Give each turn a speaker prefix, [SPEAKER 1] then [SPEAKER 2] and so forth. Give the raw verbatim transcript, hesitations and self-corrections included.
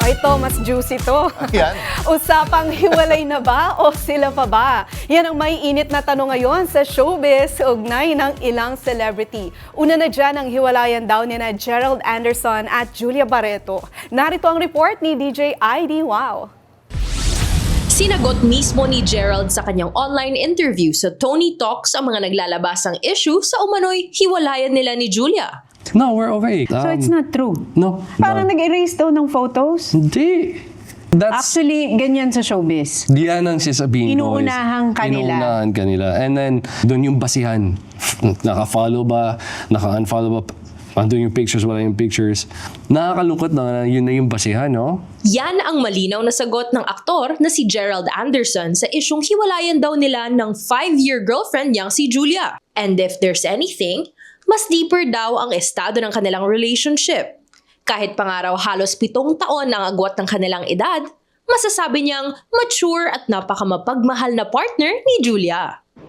[SPEAKER 1] O ito, mas juicy to.
[SPEAKER 2] Yan.
[SPEAKER 1] Usapang hiwalay na ba o sila pa ba? Yan ang may init na tanong ngayon sa showbiz ugnay ng ilang celebrity. Una na dyan ang hiwalayan daw ni na Gerald Anderson at Julia Barreto. Narito ang report ni D J I D Wow.
[SPEAKER 3] Sinagot mismo ni Gerald sa kanyang online interview sa Tony Talks ang mga naglalabasang issue sa umano'y hiwalayan nila ni Julia.
[SPEAKER 4] No, we're okay.
[SPEAKER 5] So it's
[SPEAKER 4] Um,
[SPEAKER 5] not true?
[SPEAKER 4] No.
[SPEAKER 5] Parang
[SPEAKER 4] no.
[SPEAKER 5] nag-erase daw ng photos?
[SPEAKER 4] Hindi. That's...
[SPEAKER 5] Actually, ganyan sa showbiz.
[SPEAKER 4] Diyan ang sasabihin ko. is
[SPEAKER 5] Inuunahan ka nila.
[SPEAKER 4] Inuunahan ka nila. And then, doon yung basihan. Naka-follow ba? Naka-unfollow ba? Andun yung pictures, wala yung pictures. Nakakalungkot na yun na yung basihan, no?
[SPEAKER 3] Yan ang malinaw na sagot ng aktor na si Gerald Anderson sa isyung hiwalayan daw nila ng five-year girlfriend niyang si Julia. And if there's anything, mas deeper daw ang estado ng kanilang relationship. Kahit pangaraw halos pitong taon ang agwat ng kanilang edad, masasabi niyang mature at napakamapagmahal na partner ni Julia.